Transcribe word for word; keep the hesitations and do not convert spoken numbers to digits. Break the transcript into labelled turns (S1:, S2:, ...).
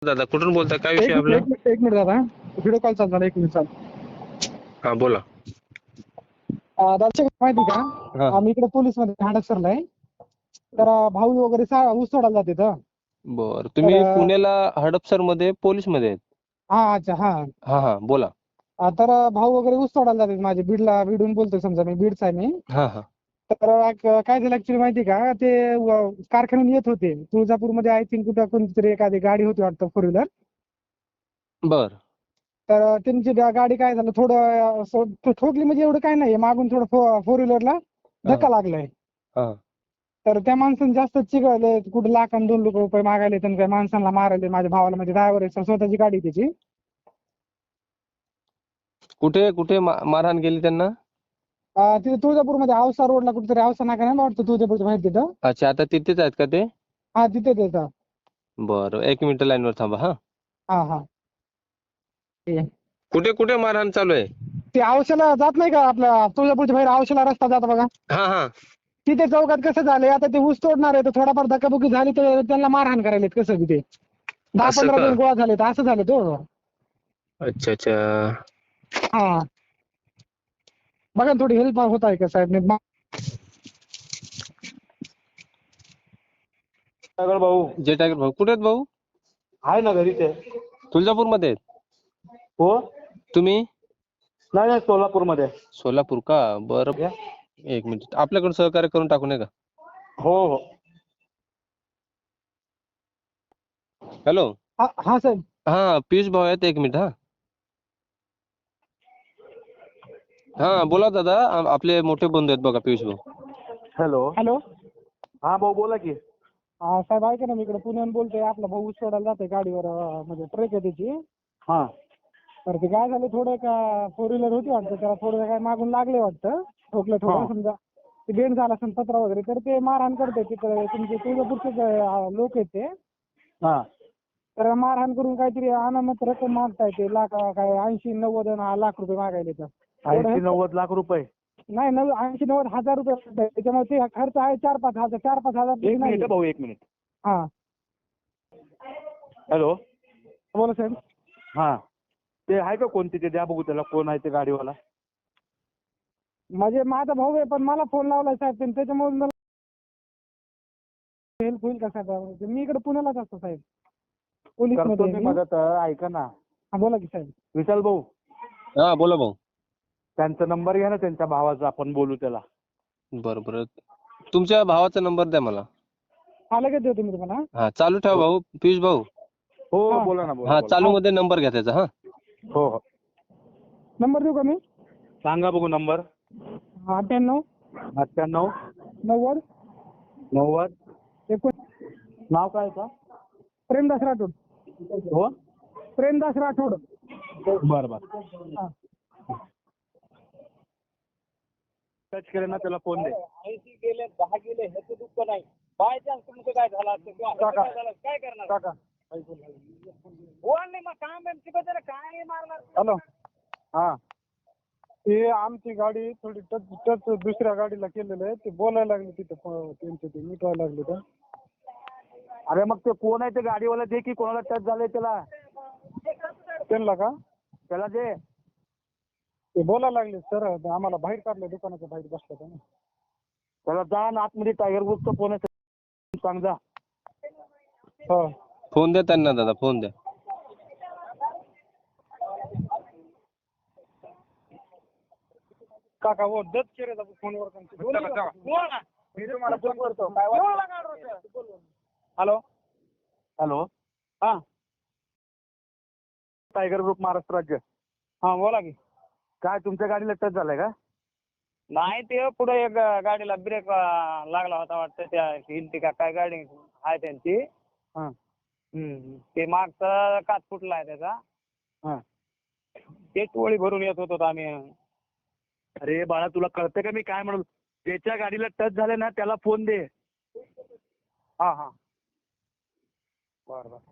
S1: दादा कुठून बोलताय? काय
S2: एक
S1: विषय
S2: मिनिट
S1: आपला?
S2: एक मिनिट एक मिनिट दादा, व्हिडिओ कॉल चालू झाला. एक मिनिट चालू.
S1: हा बोला.
S2: अं, दादा माहिती का,
S1: हा
S2: आम्ही इकडे पोलीस मध्ये हडपसरला आहे. तर अं, भाऊ वगैरे सा- ऊस सोडायला जाते तर.
S1: बर,
S2: तर
S1: तुम्ही
S2: अं,
S1: पुण्याला हडपसर मध्ये पोलीस मध्ये आहेत?
S2: हा अच्छा हा
S1: हा हा बोला.
S2: अं, तर अं, भाऊ वगैरे ऊस सोडायला जाते माझे. बीडला बीडून बोलतोय, समजा मी बीडचा आहे मी.
S1: हा हा
S2: तर अं, काय झालं ऍक्च्युली माहिती का, ते व- कारखान्यातून येत होते तुळजापूरमध्ये. आय थिंक कुठं कोणतरी एखादी गाडी होती वाटतं, फोर व्हीलर.
S1: बर
S2: तर अं, त्यांची गा- गाडी काय झालं, थोडं अं, असं ठो- ठोकली म्हणजे एवढं काय नाही, मागून थोडं फोर व्हीलरला
S1: हा
S2: धक्का लागलाय.
S1: हा
S2: तर त्या माणसाने जास्त चिघळले, कुठे लाख आणि दोन लाख रुपये मागायले, त्यांनी त्या माणसाला मारायले. माझ्या भावाला, म्हणजे ड्रायव्हर आहे, स्वतःची गाडी आहे त्याची.
S1: कुठे कुठे मा- मारहाण केली त्यांना?
S2: अं, तिथे तुळजापूरमध्ये औसा रोडला कुठेतरी, औसा नाका नाही वाटतं तुळजापूरच्या बाहेर तिथं.
S1: अच्छा, आता तिथेच आहेत का ते?
S2: हा तिथे तिथं.
S1: बर, एक मिनिट लाईन वर थांबा. हा
S2: हा हा ठीक आहे.
S1: कुठे कुठे मारहाण चालू आहे?
S2: ते औशाला जात नाही का, आपल्या तुळजापूरच्या बाहेर औशाला रस्ता जातो बघा,
S1: हा हा
S2: तिथे चौकात कसं झालंय, आता ते ऊस तोडणार आहे, तर थोडाफार धक्काबुक्की झाली तर त्यांना मारहाण करायला कसं बी ते दहा
S1: असं
S2: पंधरा
S1: का?
S2: जण गोळा झाले, तर असं झालं तो.
S1: अच्छा अच्छा.
S2: हा बघा ना, थोडी हेल्प होत आहे का साहेब?
S3: सागर भाऊ
S1: जे टायगर भाऊ कुठे आहेत भाऊ?
S3: आहे ना, घरीच आहे.
S1: तुळजापूर मध्ये आहेत
S3: हो,
S1: तुम्ही?
S3: नाही नाही, सोलापूर मध्ये.
S1: सोलापूर का? बरं, एक मिनिट, आपल्याकडून सहकार्य करून टाकू नये का?
S3: हो हो.
S1: हॅलो.
S2: हा हा साहेब.
S1: हा पियुष भाऊ आहेत, एक मिनिट. हा हा बोला दादा, आ- आपले मोठे बंधू आहेत बघा, पियुष भाऊ.
S3: हॅलो.
S2: हॅलो.
S3: हा भाऊ, बोला की.
S2: हा साहेब, ऐका ना, मी इकडे पुण्याहून बोलतोय. आपला भाऊ ऊस सोडायला जातोय गाडीवर, अं, म्हणजे ट्रक आहे त्याची.
S3: हा
S2: तर ते काय झालं, थोडं का फोर व्हीलर होती वाटतं, त्याला थोडं काय मागून लागले वाटतं, ठोकलं थोडं,
S3: हा.
S2: समजा ते बेंड झाला असेल पत्रा वगैरे. तर ते मारहाण करते तिकडे, तुमचे तुळजापूरचे लोक आहेत ते.
S3: हा
S2: तर मारहाण करून काहीतरी अनामत रक्कम मागताय ते, लाख काय ऐंशी नव्वद आणि लाख रुपये मागायले. तर एवढं
S3: ऐंशी
S2: help-
S3: नव्वद लाख रुपये?
S2: नाही, नव ऐंशी नव्वद हजार रुपये मागताय. त्याच्यामुळे ते खर्च आहे चार पाच हजार चार पाच हजार
S3: एक
S2: नाही.
S3: मिनिट भाऊ, एक मिनिट.
S2: हा
S3: हॅलो.
S2: बोला साहेब.
S3: हा, ते आहे का कोण तिथे? द्या बघू त्याला, कोण आहे ते गाडीवाला.
S2: म्हणजे माझा भाऊ आहे, पण मला फोन लावलाय साहेब त्यांनी, त्याच्यामुळे मला हेल्प होईल का साहेब? मी इकडे पुण्यालाच असतो साहेब, पोलीस
S3: करतो
S2: मध्ये
S3: मी
S2: मी.
S3: मदत. ऐका ना
S2: हा बोला की साहेब.
S3: विशाल भाऊ,
S1: हा बोला भाऊ.
S3: त्यांचा नंबर घ्या ना, त्यांच्या भावाचा, आपण बोलू त्याला.
S1: बरं बरं, तुमच्या भावाचा नंबर द्या मला.
S2: हा लगेच देतो मी तुम्हाला.
S1: हा चालू ठेवा भाऊ, पियुष भाऊ.
S3: हो,
S2: हा.
S3: बोला ना, बोला
S1: हा
S3: बोला.
S1: चालू मध्ये नंबर घ्या त्याचा. हा
S3: हो हो,
S2: नंबर देऊ का मी?
S3: सांगा बघू नंबर.
S2: अठ्ठ्याण्णव
S3: अठ्ठ्याण्णव
S2: नव्वद
S3: नव्वद.
S2: एकोण
S3: नाव काय का?
S2: प्रेमदास राठोड.
S3: हो,
S2: प्रेमदास राठोड.
S3: बरं बरं.
S2: हा.
S3: टच केलं ना, त्याला फोन दे.
S4: ऐंशी गेले, दहा गेले, ह्याचं दुःख नाही. बाय चान्स तुमचं काय झालं असतं किंवा ह्याचं काय झालं, काय करणार?
S2: काका
S4: बोल नाही, मग काम बिम शिकवत नाही, काय मारणार?
S2: हॅलो. हा, ते आमची गाडी थोडी टच टच दुसऱ्या गाडीला केलेलं आहे. ते बोलायला लागले तिथं, प- त्यांचे ते मिटवायला लागले तर.
S3: अरे मग ते कोण आहे ते गाडीवाला? दे की, कोणाला टच झालंय त्याला,
S2: त्यांना का
S3: त्याला दे.
S2: ते बोलायला लागले, सर आम्हाला बाहेर काढलं, दुकानाच्या बाहेर बसलं ना.
S3: त्याला जा ना आतमध्ये, टायगर ग्रुपचा फोन आहे, सांग जा.
S2: हो
S1: फोन द्या त्यांना दादा, फोन द्या.
S2: काका वो दस केले फोनवर
S4: बोल ना.
S2: मी तुम्हाला फोन करतो.
S4: बोल ना, काढ रोज.
S2: हॅलो.
S3: हॅलो.
S2: हा
S3: टायगर ग्रुप महाराष्ट्र राज्य.
S2: हा बोला की.
S3: काय तुमच्या गाडीला टच झालाय का?
S4: नाही, ते पुढे एक गाडीला ब्रेक लागला होता वाटतं, त्या हिलती का काय गाडी आहे त्यांची.
S2: हा
S4: हम्म. ते मागचा काच फुटला आहे त्याचा.
S2: हा
S4: ते टोळी भरून येत होतो आम्ही.
S3: अरे बाळा, तुला कळतं का मी काय म्हणू? ज्याच्या गाडीला टच झालं ना, त्याला फोन दे.
S2: हा हा बरं बरं.